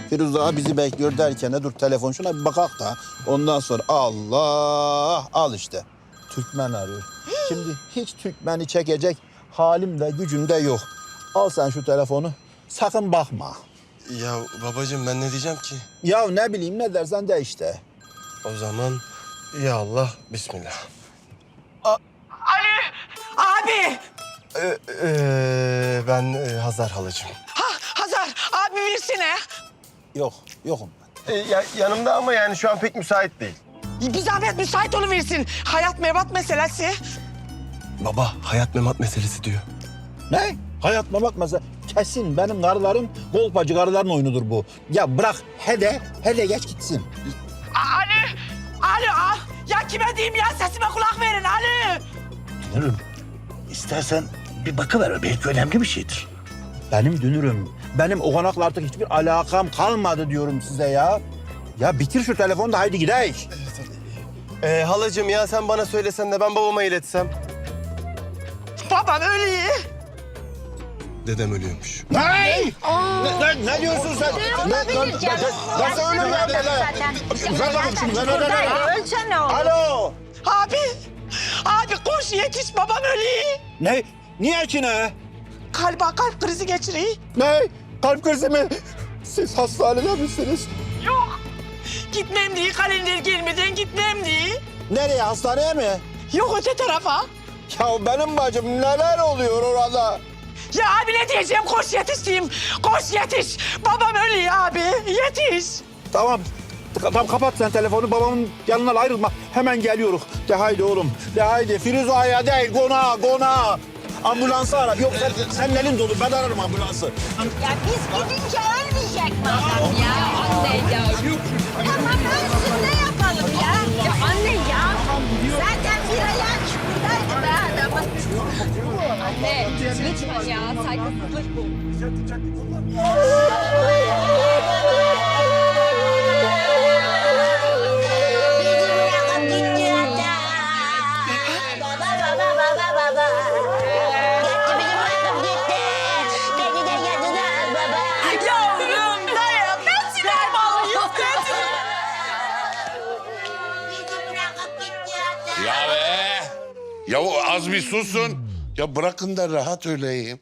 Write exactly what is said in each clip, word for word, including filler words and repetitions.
Firuze ağa bizi bekliyor derken de dur telefon şuna bir bakak da. Ondan sonra Allah al işte. Türkmen arıyor. Şimdi hiç Türkmeni çekecek halim de gücüm de yok. Al sen şu telefonu. Sakın bakma. Ya babacığım ben ne diyeceğim ki? Ya ne bileyim ne dersen de işte. O zaman ya Allah bismillah. Ali! Abi! Ee, ee, ben e, Hazar halacığım. Ha Hazar abi versene. Yok, yokum ben. Ee, ya, yanımda ama yani şu an pek müsait değil. Bir zahmet müsait oluversin. Hayat mevat meselesi. Baba hayat memat meselesi diyor. Ne? Hayat memat mesela. Kesin benim karılarım kolpacı karıların oyunudur bu. Ya bırak hede, hede geç gitsin. Ali! Ali ah! Ya kime diyeyim ya sesime kulak verin Ali! Dünürüm, istersen bir bakıver. Belki önemli bir şeydir. Benim dünürüm, benim o konakla artık hiçbir alakam kalmadı diyorum size ya. Ya bitir şu telefonu da haydi gidelim. Ee, halacığım ya sen bana söylesen de ben babama iletsem. Babam ölüyor. Dedem ölüyormuş. Ne? Ne, ne, ne diyorsun sen? Ne, ne, Olabilir canım. Nasıl Ya, ölüm ya? zaten. Ver bakayım şunu, ver, ver, ver, ver. Ölsen ne olur? Alo. Abi! Abi koş yetiş babam ölüyor. Ne? Niye ki ne? Kalba kalp krizi geçiriyor. Ne? Kalp krizi mi? Siz hastanede misiniz? Yok. Gitmem diye kalender gelmeden gitmem diye. Nereye? Hastaneye mi? Yok öte tarafa. Ya benim bacım neler oluyor orada? Ya abi ne diyeceğim koş yetiş diyeyim. Koş yetiş. Babam ölüyor abi yetiş. Tamam. Tamam kapat sen telefonu. Babamın yanından ayrılma. Hemen geliyoruz. De haydi oğlum. De haydi. Firuze Ağa'ya değil. Gona, gona. Ambulansı ara. Yok sen, senin elin dolu. Ben ararım ambulansı. Ya biz gidince ölmeyecek mi adam ya? Anne ya. Tamam ölsün ne yapalım ya? Ya anne ya. Zaten bir ayağı çukurdaydı be adamın. Anne lütfen ya saygısızlık bu. Bizi bırakıp gitti hatta. Baba baba baba baba. Gitti bizi bırakıp gitti. Beni de yadılar baba. Yavrum dayan ben silahımı alayım dedim. Bizi bırakıp gitti hatta. Ya be! Ya o az bir susun. Ya bırakın da rahat öleyim.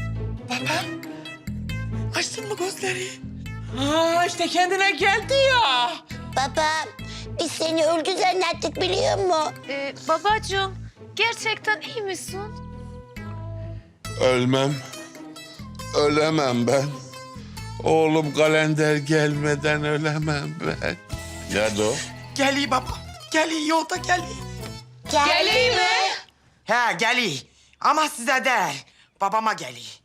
Açtın mı gözleri? Ha işte kendine geldi ya. Baba biz seni öldü zannettik biliyor musun? Ee, babacığım, gerçekten iyi misin? Ölmem. Ölemem ben. Oğlum kalender gelmeden ölemem ben. Nerede o? Geliyor baba. Geliyor yolda geliyor. Geldi mi? He geliyor. Ama size değil. Babama geliyor.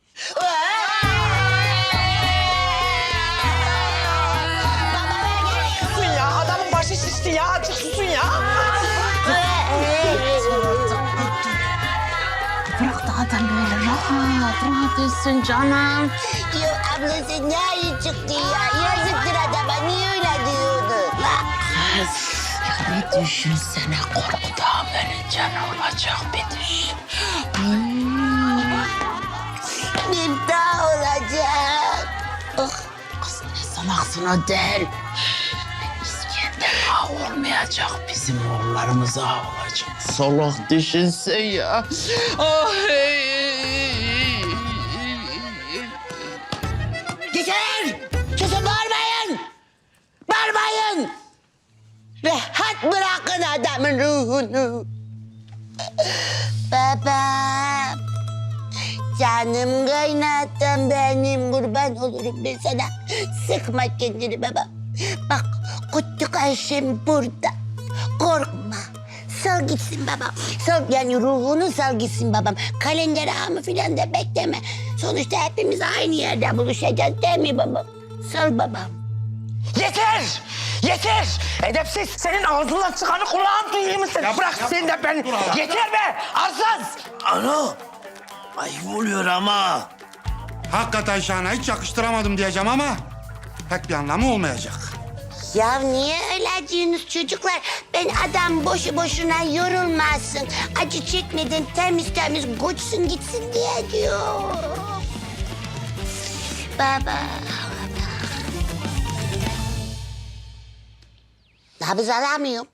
Susun ya. Adamın başı şişti ya. Azıcık susun ya. Bırak da adam böyle rahat, rahat etsin canım. Yo ablası ne iyi çıktı ya. Yazıktır adama niye öyle diyordu? Kız, ya bir düşünsene korkudan ölünce ne olacak bir düşün. Bir daha olacak. Oh. Kız ne sanaksın o değil. İskender ağa olmayacak, bizim oğullarımız ağa olacak. Soluk düşünsen ya. Ah, Yeter! Susun bağırmayın! Bağırmayın! Rahat bırakın adamın ruhunu. Babam. Canım kaynattım benim kurban olurum ben sana. Sıkma kendini baba. Bak kutluk Ayşem burada. Korkma. Sal gitsin babam. Sal yani ruhunu sal gitsin babam. Kalender ağamı falan da bekleme. Sonuçta hepimiz aynı yerde buluşacağız değil mi babam? Sal babam. Yeter! Yeter! Edepsiz! Senin ağzından çıkanı kulağın duyuyor musun? Ya bırak sen de beni! Yeter be! Arsız! Ana! Ayıp oluyor ama. Hakikaten Şahan'a hiç yakıştıramadım diyeceğim ama pek bir anlamı olmayacak. Ya niye öyle diyorsunuz çocuklar? Ben adam boşu boşuna yorulmasın. Acı çekmeden temiz temiz koçsun gitsin diye diyor. Baba. Nabız alamıyorum.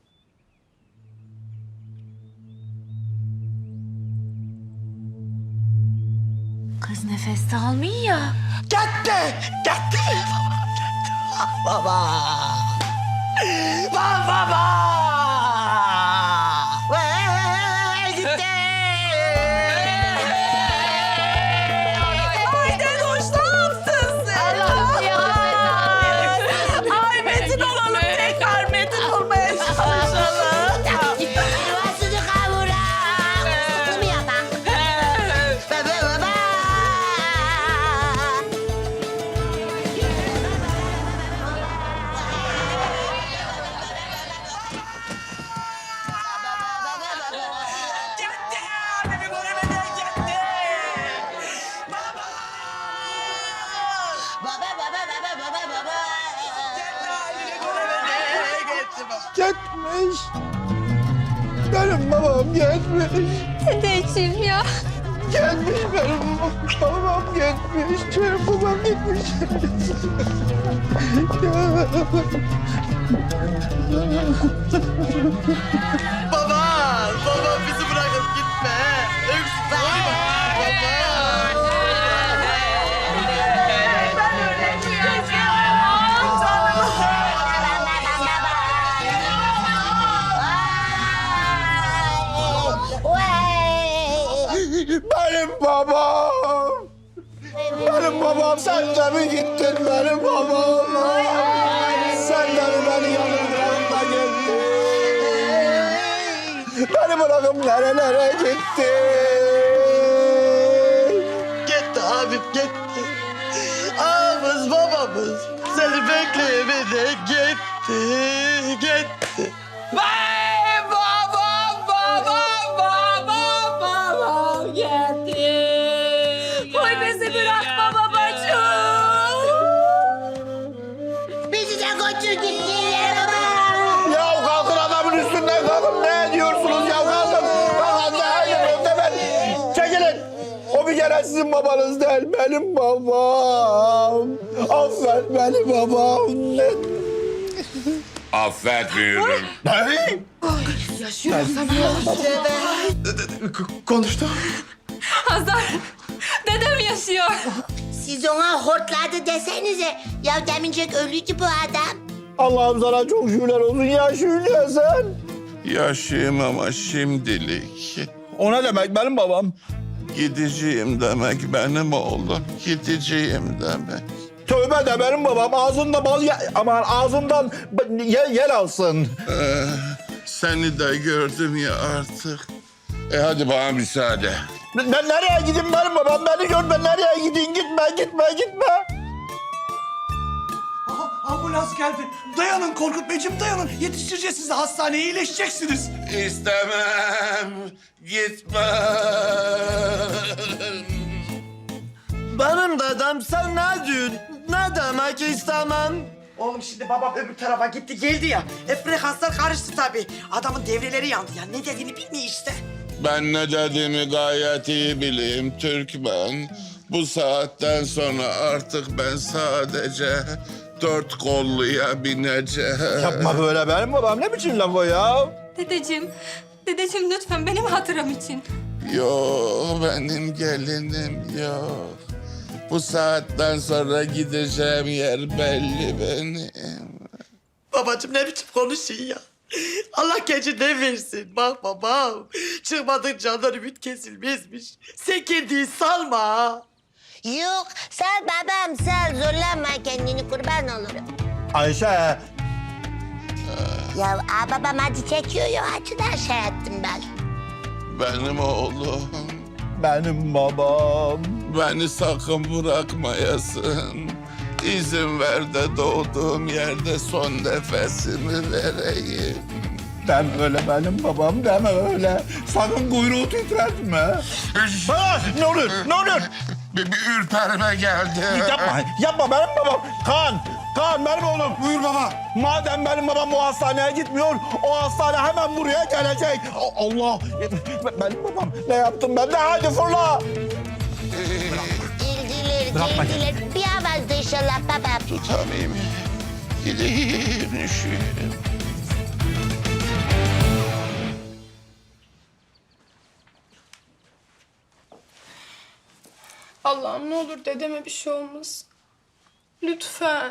Kız nefes de almıyor ya. Gitti, gitti. Baba, baba, baba. Vay, gitti. Ayden hoş ne yaptın sen? Allah'ım ya. Ay Metin olalım tekrar Metin olmaya çalışalım. Yuvasını kavurak. Sıkı mı yapan? Baba baba. Gitti, beni göremeden gitti. Baba. Baba baba baba baba baba. Beni göremeden gitti baba. Gitmiş. Benim babam gitmiş. Dedeciğim ya. Gelmiş benim babam gitmiş. Benim babam gitmiş. Baba, baba bizi bırakıp gitme. Öksüz olma. Baba. Ben öleceğim ya. Benim babam. Benim babam sen de mi gittin benim babam? Sen de mi beni yanımda gittin? Beni bırakıp nerelere gittin? Gitti abim gitti. Ağamız babamız seni bekleyemedi. Gitti, gitti. Vay babam babam babam babam geldi. Koy bizi bırakma babacığım. Bizi de götür gittiler baba. Ya kalkın adamın üstünden kalkın. Ne ediyorsunuz ya kalkın. Kalkın ne hayır o demen. Çekilin. O bir kere sizin babanız değil. Benim babam. Affet beni babam. Affetmiyorum. Ne? Konuştu. Hazar, dedem yaşıyor. Siz ona hortladı desenize. Ya demincek ölüydü bu adam. Allah'ım sana çok şükürler olsun ya Şule sen. Yaşayayım ama şimdilik. O ne demek benim babam? Gideceğim demek benim oğlum. Gideceğim demek. Tövbe de benim babam ağzında bal ye, aman ağzından b- ye, yel alsın. Ee, seni de gördüm ya artık. E hadi bana müsaade. Ben ben nereye gideyim benim babam beni gör ben nereye gideyim gitme gitme gitme. Aha, ambulans geldi. Dayanın Korkut Beyciğim dayanın. Yetiştireceğiz sizi hastaneye iyileşeceksiniz. İstemem. Gitme. Benim dedem sen ne diyorsun? Ne demek istemem? Oğlum şimdi babam öbür tarafa gitti geldi ya. E frekanslar karıştı tabii. Adamın devreleri yandı ya. Ne dediğini bilmiyor işte. Ben ne dediğimi gayet iyi bileyim Türkmen. Bu saatten sonra artık ben sadece dört kolluya bineceğim. Yapma böyle benim babam ne biçim laf o ya? Dedeciğim, dedeciğim lütfen benim hatıram için. Yok benim gelinim yok. Bu saatten sonra gideceğim yer belli benim. Babacığım ne biçim konuşuyor ya. Allah gecinden versin. Bak babam. Çıkmadın candan ümit kesilmezmiş. Sen kendini salma. Yok sal babam sal zorlama kendini kurban olurum. Ayşe Ya aa, babam acı çekiyor ya acıdan şey ettim ben. Benim oğlum. benim babam. Beni sakın bırakmayasın. İzin ver de doğduğum yerde son nefesimi vereyim. Deme öyle benim babam deme öyle. Sakın kuyruğu titretme. Ha, ne olur ne olur. Bir, bir ürperme geldi. Yapma yapma benim babam. Kaan Kaan benim oğlum. Buyur baba. Madem benim babam o hastaneye gitmiyor, o hastane hemen buraya gelecek. A- Allah! Benim babam ne yaptım ben de? Hadi fırla! Geldiler Bırakma. geldiler. Bir avazda inşallah babam. Tutamayayım. Gideyim üşüyorum. Allah'ım ne olur dedeme bir şey olmasın. Lütfen.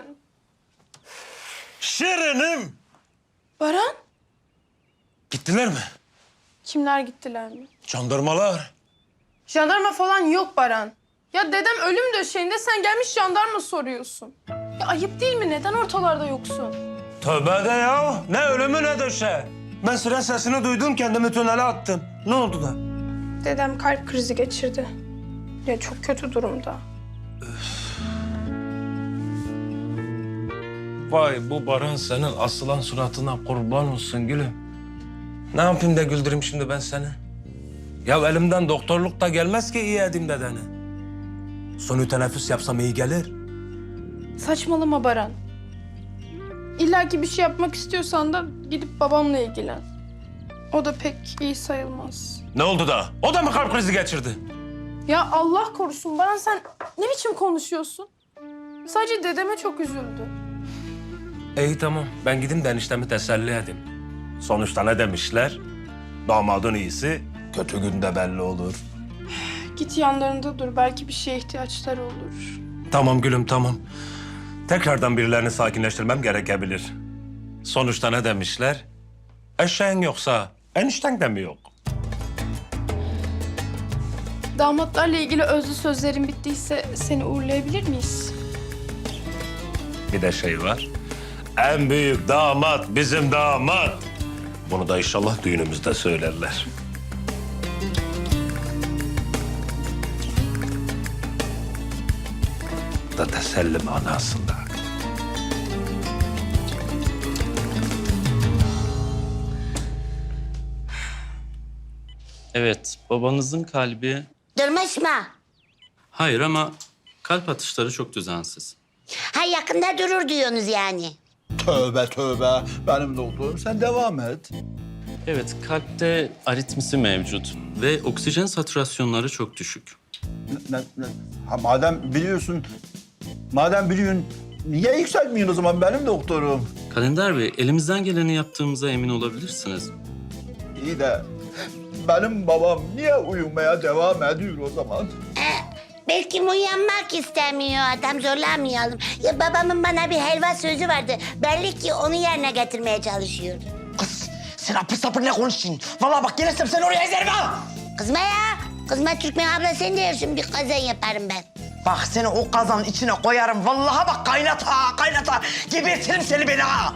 Şirinim. Baran? Gittiler mi? Kimler gittiler mi? Jandarmalar. Jandarma falan yok Baran. Ya dedem ölüm döşeğinde sen gelmiş jandarma soruyorsun. Ya ayıp değil mi? Neden ortalarda yoksun? Tövbe de ya. Ne ölümü ne döşe. Ben siren sesini duydum, kendimi tünele attım. Ne oldu da? Dedem kalp krizi geçirdi. Ya çok kötü durumda. Vay bu Baran senin asılan suratına kurban olsun gülüm. Ne yapayım da güldüreyim şimdi ben seni? Ya elimden doktorluk da gelmez ki iyi edeyim dedeni. Sonu teneffüs yapsam iyi gelir. Saçmalama Baran. İlla ki bir şey yapmak istiyorsan da gidip babamla ilgilen. O da pek iyi sayılmaz. Ne oldu da? O da mı kalp krizi geçirdi? Ya Allah korusun Baran, sen ne biçim konuşuyorsun? Sadece dedeme çok üzüldü. İyi tamam. Ben gideyim de eniştemi teselli edeyim. Sonuçta ne demişler? Damadın iyisi kötü günde belli olur. Git yanlarında dur, belki bir şeye ihtiyaçları olur. Tamam gülüm tamam. Tekrardan birilerini sakinleştirmem gerekebilir. Sonuçta ne demişler? Eşeğin yoksa enişten de mi yok? Damatlarla ilgili özlü sözlerin bittiyse seni uğurlayabilir miyiz? Bir de şey var. En büyük damat bizim damat. Bunu da inşallah düğünümüzde söylerler. Da teselli manasında. Evet, babanızın kalbi... Durmuş mu? Hayır ama kalp atışları çok düzensiz. Ha yakında durur diyorsunuz yani. Tövbe tövbe. Benim doktorum sen devam et. Evet, kalpte aritmisi mevcut ve oksijen satürasyonları çok düşük. Ne, ne, ha, madem biliyorsun, madem biliyorsun niye yükseltmiyorsun o zaman benim doktorum? Kalender Bey, elimizden geleni yaptığımıza emin olabilirsiniz. İyi de benim babam niye uyumaya devam ediyor o zaman? Ee, belki uyanmak istemiyor adam, zorlamayalım. Ya babamın bana bir helva sözü vardı. Belli ki onu yerine getirmeye çalışıyor. Kız sen apır sapır ne konuşuyorsun? Vallahi bak gelirsem seni oraya ezerim ha. Kızma ya. Kızma Türkmen abla, sen de yersin, bir kazan yaparım ben. Bak seni o kazanın içine koyarım. Vallahi bak kaynat ha kaynat ha. Gebertirim seni beni ha.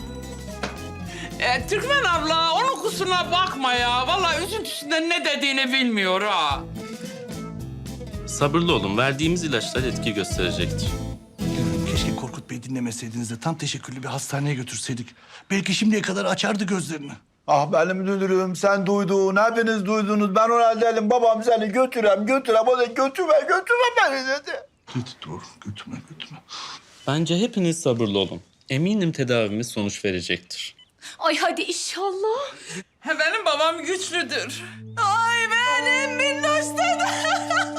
E, Türkmen abla onun kusuruna bakma ya. Vallahi üzüntüsünden ne dediğini bilmiyor ha. Sabırlı olun, verdiğimiz ilaçlar etki gösterecektir. Keşke Korkut Bey dinlemeseydiniz de tam teşekküllü bir hastaneye götürseydik. Belki şimdiye kadar açardı gözlerini. Ah benim dünürüm, sen duydun, hepiniz duydunuz. Ben ona dedim, babam seni götürem, götürem. O da götürme, götürme beni dedi. Git dur, götürme, götürme. Bence hepiniz sabırlı olun. Eminim tedavimiz sonuç verecektir. Ay hadi inşallah. He, benim babam güçlüdür. Ay benim minnoş dedem.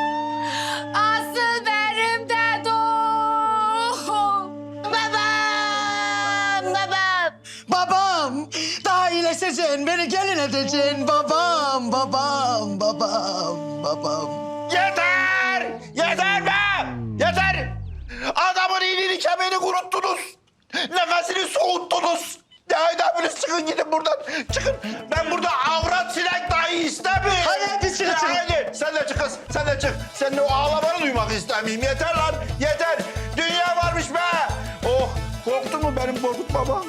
Asıl benim dedem. Babam, babam. Babam, daha iyileşeceksin, beni gelin edeceksin. Babam, babam, babam, babam. Yeter! Yeter be! Yeter! Adamın iyiliğini kemiğini kuruttunuz. Nefesini soğuttunuz. Ya haydi hepiniz çıkın gidin buradan. Çıkın. Ben burada avrat sinek dahi istemiyorum. Hadi, hadi, çıkın, Ya çıkın. Haydi sen de çık kız. Sen de çık. Senin o ağlamanı duymak istemiyorum. Yeter lan. Yeter. Dünya varmış be. Oh korktun mu benim Korkut babam?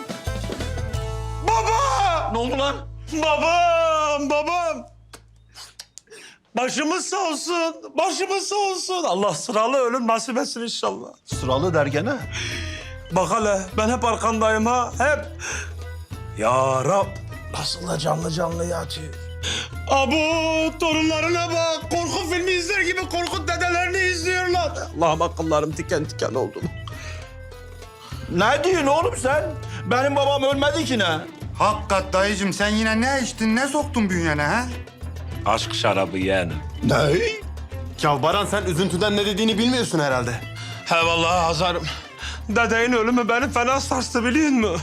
Baba! Ne oldu lan? Babam, babam. Başımız sağ olsun, başımız sağ olsun. Allah sıralı ölüm nasip etsin inşallah. Sıralı dergene. Bak hele, ben hep arkandayım ha, hep. Ya Rab, nasıl da canlı canlı yatıyor. Abu, torunlarına bak. Korku filmi izler gibi Korkut dedelerini izliyorlar. Allah'ım akıllarım tiken tiken oldu. Ne diyorsun oğlum sen? Benim babam ölmedi ki ne? Hakikat dayıcım sen yine ne içtin, ne soktun bünyene ha? Aşk şarabı yeğenim. Ne? Ya Baran sen üzüntüden ne dediğini bilmiyorsun herhalde. He vallahi Hazarım. Dedeğin ölümü beni fena sarstı biliyor musun?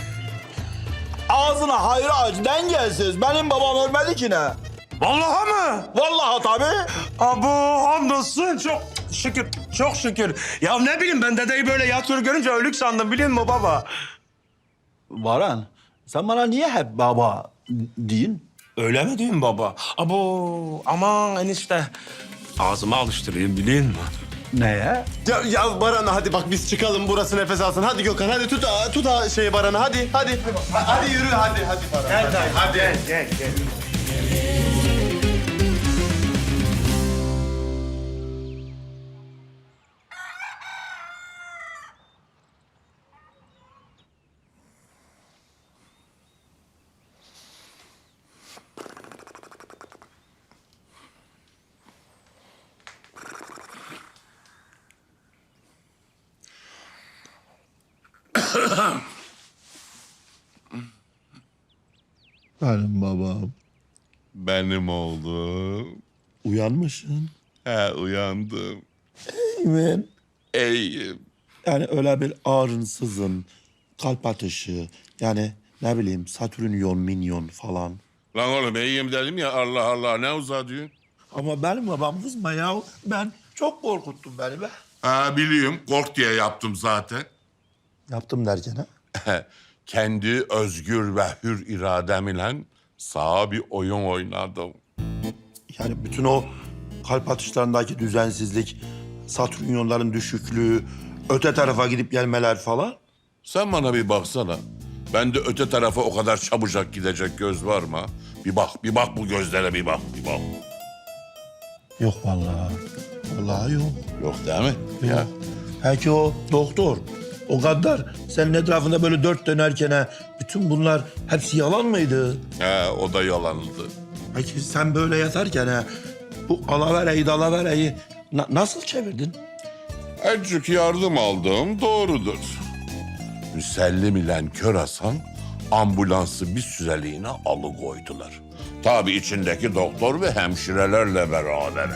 Ağzına hayır aç, dengesiz. Benim babam ölmedi ki ne? Vallahi mı? Vallahi tabii. Abo hamdolsun çok şükür, çok şükür. Ya ne bileyim ben dedeyi böyle yatıyor görünce ölük sandım biliyor musun baba? Baran, sen bana niye hep baba deyin? Öyle mi diyeyim baba? Abo aman enişte. Ağzıma alıştırayım biliyor musun? Neye? Ya, ya Baran hadi bak biz çıkalım burası nefes alsın. Hadi Gökhan hadi tut tut şeyi Baran'ı hadi hadi. Hadi yürü hadi hadi Baran. Gel hadi. hadi. Gel gel gel. Benim babam. Benim oğlum. Uyanmışsın. He uyandım. Ben İyiyim. yani öyle bir ağrınsızın, kalp atışı, yani ne bileyim satürnyon, minyon falan. Lan oğlum iyiyim dedim ya Allah Allah ne uzatıyorsun? Ama benim babam kızma ya. Ben çok korkuttun beni be. Ha biliyorum kork diye yaptım zaten. Yaptım derken ha? Kendi özgür ve hür iradem ile sağa bir oyun oynadım. Yani bütün o kalp atışlarındaki düzensizlik, satürnyonların düşüklüğü, öte tarafa gidip gelmeler falan. Sen bana bir baksana. Bende öte tarafa o kadar çabucak gidecek göz var mı? Bir bak, bir bak bu gözlere bir bak, bir bak. Yok vallahi. Vallahi yok. Yok değil mi? Ya. Belki o doktor, o gaddar senin etrafında böyle dört dönerken ha, bütün bunlar hepsi yalan mıydı? He, o da yalandı. Peki sen böyle yatarken ha, bu alavereyi dalavereyi na- nasıl çevirdin? Azıcık yardım aldım, doğrudur. Müsellim ile Kör Hasan ambulansı bir süreliğine alıkoydular. Tabii içindeki doktor ve hemşirelerle beraber.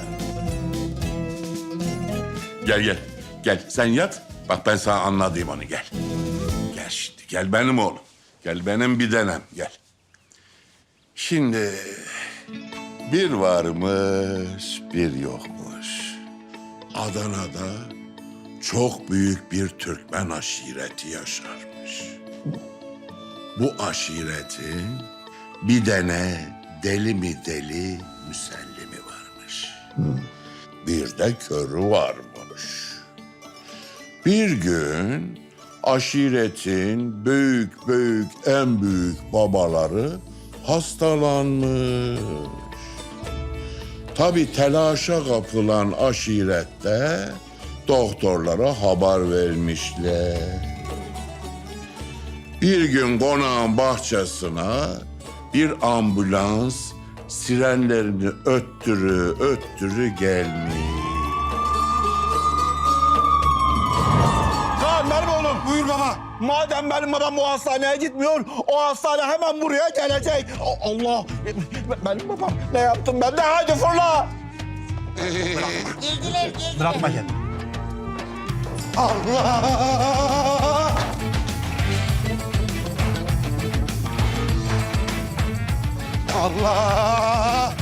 Gel gel, gel sen yat. Bak ben sana anlatayım onu gel. Gel şimdi, gel benim oğlum. Gel benim bir denem, gel. Şimdi bir varmış, bir yokmuş. Adana'da çok büyük bir Türkmen aşireti yaşarmış. Bu aşiretin bir tane deli mi deli müsellimi varmış. Bir de körü varmış. Bir gün aşiretin büyük büyük en büyük babaları hastalanmış. Tabii telaşa kapılan aşirette doktorlara haber vermişler. Bir gün konağın bahçesine bir ambulans sirenlerini öttürü öttürü gelmiş. Kaan benim oğlum. Buyur baba. Madem benim babam o hastaneye gitmiyor, o hastane hemen buraya gelecek. A- Allah! Benim babam ne yaptım ben de? Hadi fırla! Geldiler geldiler. Bırakma kendini. Allah! Allah!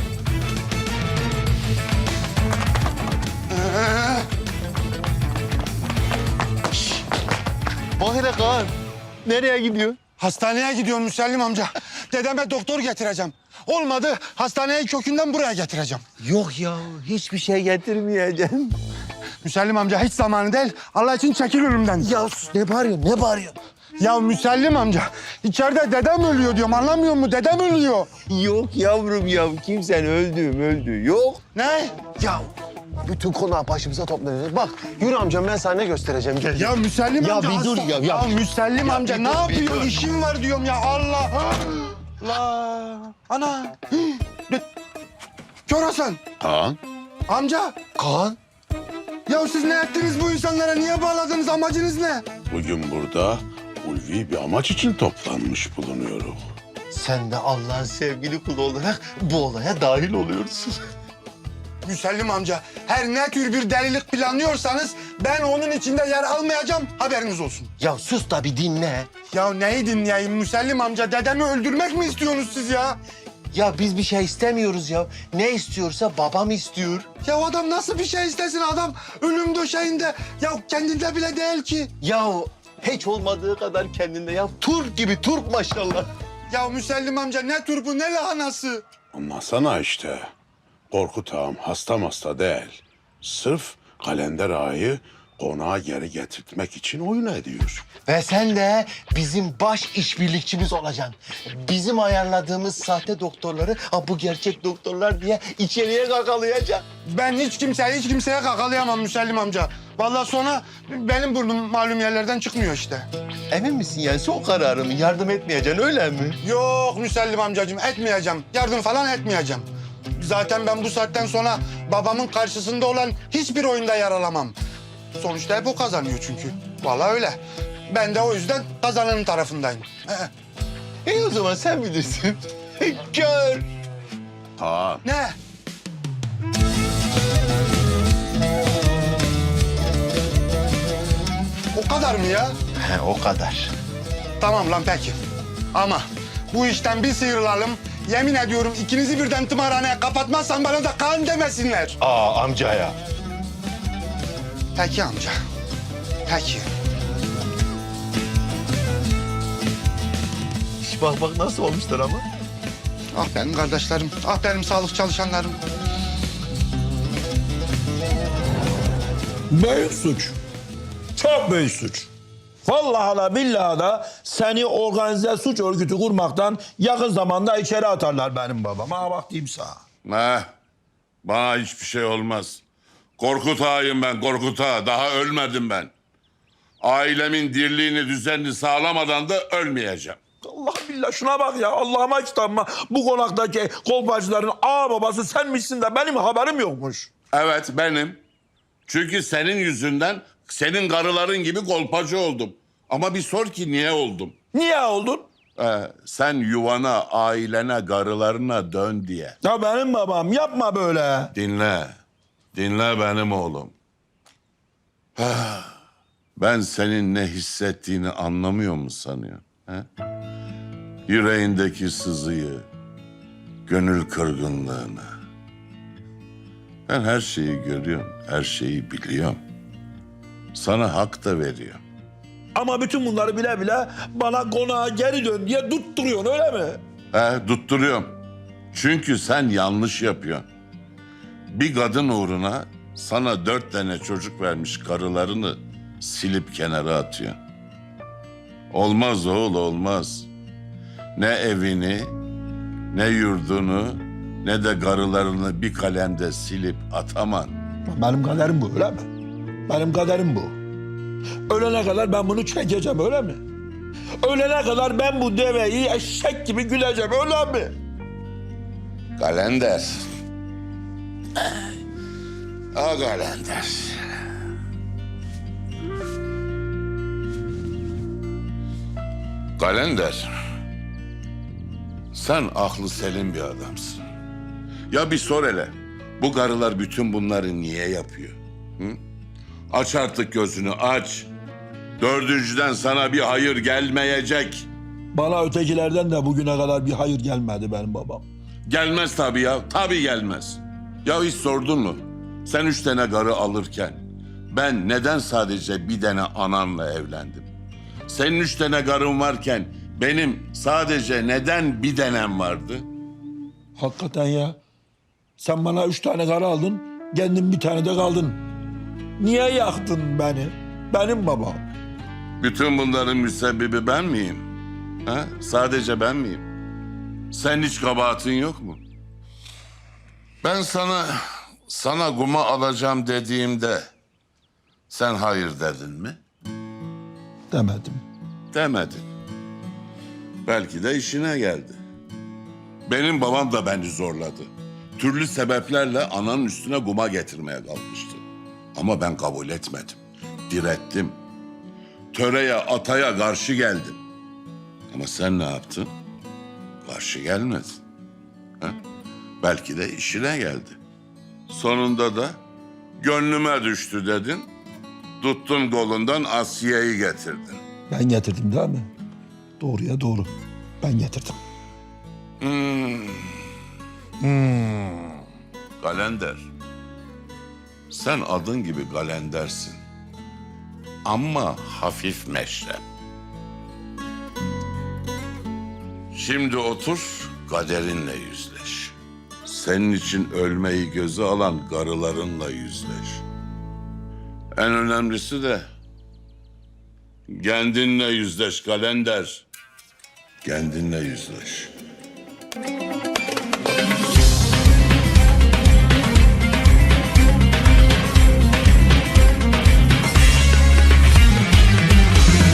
Bak hele Kaan. Nereye gidiyor? Hastaneye gidiyorum Müsellim amca. Dedeme doktor getireceğim. Olmadı hastaneyi kökünden buraya getireceğim. Yok ya hiçbir şey getirmeyeceğim. Müsellim amca hiç zamanı değil. Allah için çekil önümden. Ya sus ne bağırıyorsun ne bağırıyorsun? Ya Müsellim amca içeride dedem ölüyor diyorum anlamıyor musun? Dedem ölüyor. Yok yavrum ya kimsen öldü öldü yok. Ne? Ya bütün konağı başımıza toplanacak. Bak yürü amcam ben sana ne göstereceğim gel. Ya Müsellim Ya amca bir dur hasta- ya, ya. Müsellim Ya amca bir ne dur, bir yapıyor? dur. İşim var diyorum ya Allah. Allah. Ana. De- Kör Hasan. Kaan? Amca. Kaan. Ya siz ne ettiniz bu insanlara? Niye bağladınız? Amacınız ne? Bugün burada ulvi bir amaç için toplanmış bulunuyoruz. Sen de Allah'ın sevgili kulu olarak bu olaya dahil oluyorsun. Müsellim amca, her ne tür bir delilik planlıyorsanız ben onun içinde yer almayacağım, haberiniz olsun. Ya sus da bir dinle. Ya neyi dinleyeyim Müsellim amca, dedemi öldürmek mi istiyorsunuz siz ya? Ya biz bir şey istemiyoruz ya. Ne istiyorsa babam istiyor. Ya adam nasıl bir şey istesin adam ölüm döşeğinde, ya kendinde bile değil ki. Ya hiç olmadığı kadar kendinde ya. Turp gibi turp maşallah. Ya Müsellim amca ne turpu ne lahanası. Anlasana işte. Korkut ağam hasta hasta değil. Sırf kalender ağayı konağa geri getirtmek için oyun ediyor. Ve sen de bizim baş işbirlikçimiz olacaksın. Bizim ayarladığımız sahte doktorları ha bu gerçek doktorlar diye içeriye kakalayacaksın. Ben hiç kimseye hiç kimseye kakalayamam Müsellim amca. Vallahi sonra benim burnum malum yerlerden çıkmıyor işte. Emin misin yani son kararımı yardım etmeyeceksin öyle mi? Yok Müsellim amcacığım etmeyeceğim. Yardım falan etmeyeceğim. Zaten ben bu saatten sonra babamın karşısında olan hiçbir oyunda yer alamam. Sonuçta hep o kazanıyor çünkü. Vallahi öyle. Ben de o yüzden kazananın tarafındayım. Ee, İyi o zaman sen bilirsin. Gör. Ha, ne? O kadar mı ya? He o kadar. Tamam lan peki. Ama bu işten bir sıyrılalım. Yemin ediyorum ikinizi birden tımarhaneye kapatmazsan bana da kan demesinler. Aa amca ya. Peki amca. Peki. Bak bak nasıl olmuşlar ama. Ah benim kardeşlerim, ah benim sağlık çalışanlarım. Büyük suç. Çok büyük suç. Vallahi da billahi da seni organize suç örgütü kurmaktan yakın zamanda içeri atarlar benim babam. Ha bak diyeyim sana. Ne? Bana hiçbir şey olmaz. Korkut ağayım ben, Korkut ağa. Daha ölmedim ben. Ailemin dirliğini, düzenini sağlamadan da ölmeyeceğim. Allah billah şuna bak ya. Allah'ıma kitabıma bu konaktaki kolpacıların ağa babası senmişsin de benim haberim yokmuş. Evet, benim. Çünkü senin yüzünden senin karıların gibi kolpacı oldum. Ama bir sor ki niye oldum? Niye oldun? Ee, sen yuvana, ailene, karılarına dön diye. Ya benim babam yapma böyle. Dinle. Dinle benim oğlum. Ben senin ne hissettiğini anlamıyor mu sanıyorsun? He? Yüreğindeki sızıyı, gönül kırgınlığını. Ben her şeyi görüyorum, her şeyi biliyorum. Sana hak da veriyorum. Ama bütün bunları bile bile bana konağa geri dön diye tutturuyorsun öyle mi? He, tutturuyorum. Çünkü sen yanlış yapıyorsun. Bir kadın uğruna sana dört tane çocuk vermiş karılarını silip kenara atıyorsun. Olmaz oğul, olmaz. Ne evini, ne yurdunu, ne de karılarını bir kalemde silip ataman. Benim kaderim bu öyle mi? Benim kaderim bu. Ölene kadar ben bunu çekeceğim öyle mi? Ölene kadar ben bu deveyi eşek gibi güleceğim öyle mi? Kalender. A kalender. Kalender. Sen aklı selim bir adamsın. Ya bir sor hele. Bu karılar bütün bunları niye yapıyor? Hı? Aç artık gözünü aç. Dördüncüden sana bir hayır gelmeyecek. Bana ötekilerden de bugüne kadar bir hayır gelmedi benim babam. Gelmez tabii ya. Tabii gelmez. Ya hiç sordun mu? Sen üç tane karı alırken ben neden sadece bir tane ananla evlendim? Senin üç tane karın varken benim sadece neden bir tanem vardı? Hakikaten ya. Sen bana üç tane karı aldın, kendin bir tane de kaldın. Niye yaktın beni? Benim babam. Bütün bunların müsebbibi ben miyim? Ha? Sadece ben miyim? Sen hiç kabahatin yok mu? Ben sana, sana kuma alacağım dediğimde sen hayır dedin mi? Demedim. Demedin. Belki de işine geldi. Benim babam da beni zorladı. Türlü sebeplerle ananın üstüne guma getirmeye kalkmıştı. Ama ben kabul etmedim. Direttim. Töreye, ataya karşı geldim. Ama sen ne yaptın? Karşı gelmedin. Ha? Belki de işine geldi. Sonunda da gönlüme düştü dedin. Tuttun kolundan Asiye'yi getirdin. Ben getirdim değil mi? Doğruya doğru. Ben getirdim. Hmm. Hmm. Kalender. Sen adın gibi kalendersin. Ama hafif meşrep. Şimdi otur, kaderinle yüzleş. Senin için ölmeyi göze alan karılarınla yüzleş. En önemlisi de kendinle yüzleş kalender. Kendinle yüzleş.